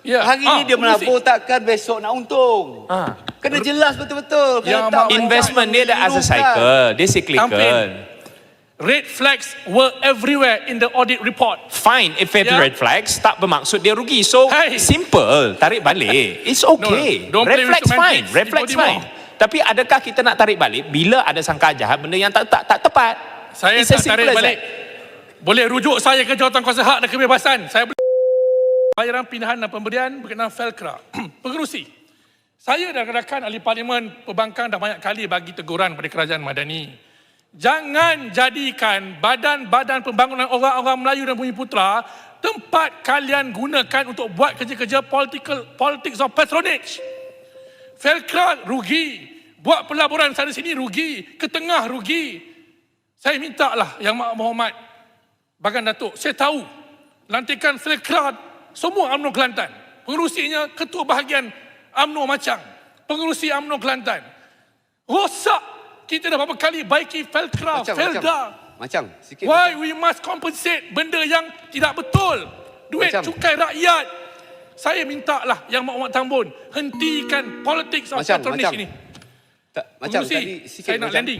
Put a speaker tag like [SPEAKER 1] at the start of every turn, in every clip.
[SPEAKER 1] Ya.
[SPEAKER 2] Hari ni dia menabur, takkan besok nak untung. Kena jelas betul-betul.
[SPEAKER 1] Yang
[SPEAKER 2] tak
[SPEAKER 1] investment
[SPEAKER 3] dia ada as a cycle, dia cyclical.
[SPEAKER 1] Red flags were everywhere in the audit report.
[SPEAKER 3] Fine, if it's red flags, tak bermaksud dia rugi. So, simple, tarik balik. It's okay.
[SPEAKER 1] No,
[SPEAKER 3] red flags fine,
[SPEAKER 1] semantics,
[SPEAKER 3] red flags fine. Tapi adakah kita nak tarik balik bila ada sangka jahat, benda yang tak tepat?
[SPEAKER 1] Saya
[SPEAKER 3] It's
[SPEAKER 1] tak
[SPEAKER 3] as simple
[SPEAKER 1] tarik
[SPEAKER 3] as
[SPEAKER 1] balik. Boleh rujuk saya ke Jawatankuasa Hak dan Kebebasan. Saya boleh bayaran pindahan dan pemberian berkenaan Felcra. Pengerusi. Saya dan rakan ahli parlimen perbankan dah banyak kali bagi teguran kepada kerajaan Madani. Jangan jadikan badan-badan pembangunan orang-orang Melayu dan Bumiputera tempat kalian gunakan untuk buat kerja-kerja politics of patronage. Felcra rugi, buat pelaburan sana sini rugi, ke tengah rugi. Saya minta lah Yang Berhormat Bagan Datuk, saya tahu lantikan Felcra semua UMNO Kelantan. Pengerusinya ketua bahagian UMNO Macang, pengerusi UMNO Kelantan. Rosak. Kita dah berapa kali baiki Felcra, Felda.
[SPEAKER 2] Macam sikit.
[SPEAKER 1] Why we must compensate benda yang tidak betul? Duit cukai rakyat. Saya minta lah Yang Berhormat Tambun hentikan politics of patronage ini.
[SPEAKER 2] Macam tadi sikit.
[SPEAKER 1] Saya nak landing.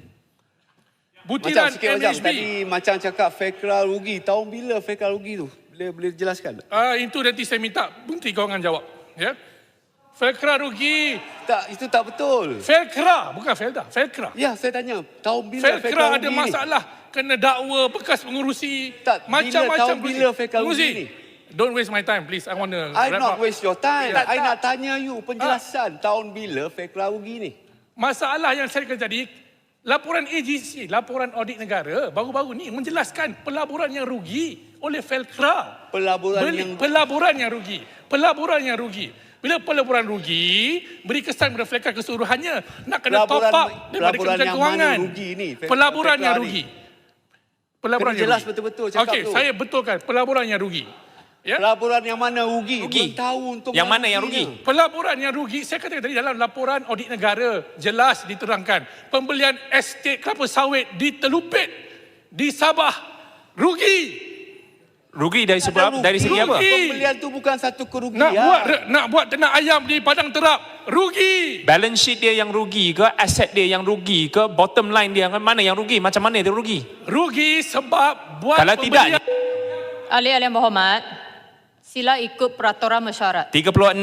[SPEAKER 2] Macam
[SPEAKER 1] Butiran
[SPEAKER 2] sikit
[SPEAKER 1] MHB.
[SPEAKER 2] Tadi macam cakap Felcra rugi. Tahun bila Felcra rugi tu? Boleh jelaskan?
[SPEAKER 1] Itu nanti saya minta Menteri Kewangan jawab. Ya. Felcra rugi.
[SPEAKER 2] Tak, itu tak betul.
[SPEAKER 1] Felcra, bukan Felda. Felcra.
[SPEAKER 2] Ya, saya tanya. Tahun bila
[SPEAKER 1] Felcra ada
[SPEAKER 2] rugi
[SPEAKER 1] masalah. Kena dakwa bekas pengurusi.
[SPEAKER 2] Tak,
[SPEAKER 1] macam-macam.
[SPEAKER 2] tahun bila Felcra rugi ni?
[SPEAKER 1] Don't waste my time, please. I want to
[SPEAKER 2] I not waste your time. I nak tanya you penjelasan. Tahun bila Felcra rugi ni?
[SPEAKER 1] Masalah yang saya kata tadi, laporan AGC, laporan audit negara, baru-baru ni menjelaskan pelaburan yang rugi oleh Felcra. Pelaburan yang rugi. Pelaburan yang rugi. Bila pelaburan rugi, beri kesan kepada Felcra keseluruhannya. Nak kena top up daripada Kementerian Kewangan. Pelaburan yang rugi. Pelaburan yang
[SPEAKER 2] jelas
[SPEAKER 1] rugi.
[SPEAKER 2] betul-betul cakap
[SPEAKER 1] Okey,
[SPEAKER 2] tu.
[SPEAKER 1] saya betulkan. Pelaburan yang rugi. Ya?
[SPEAKER 2] Pelaburan yang mana rugi? Belum tahu untuk
[SPEAKER 3] yang mana yang rugi?
[SPEAKER 1] Pelaburan yang rugi, saya katakan tadi dalam laporan audit negara, jelas diterangkan. Pembelian estate kelapa sawit di Telupit, di Sabah, rugi.
[SPEAKER 3] Rugi dari sebab dari segi apa?
[SPEAKER 2] Pembelian tu bukan satu kerugian.
[SPEAKER 1] Nak buat ternak ayam di Padang Terap, rugi.
[SPEAKER 3] Balance sheet dia yang rugi ke, aset dia yang rugi ke, bottom line dia mana yang rugi? Macam mana dia rugi?
[SPEAKER 1] Rugi sebab buat
[SPEAKER 3] kalau
[SPEAKER 1] pembelian.
[SPEAKER 3] tidak,
[SPEAKER 4] Ahli yang berhormat, sila ikut peraturan mesyuarat.
[SPEAKER 3] 36.6.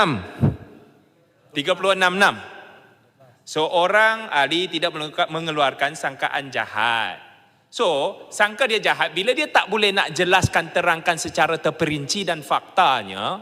[SPEAKER 3] So orang ahli tidak mengeluarkan sangkaan jahat. So, sangka dia jahat bila dia tak boleh nak jelaskan, terangkan secara terperinci dan faktanya.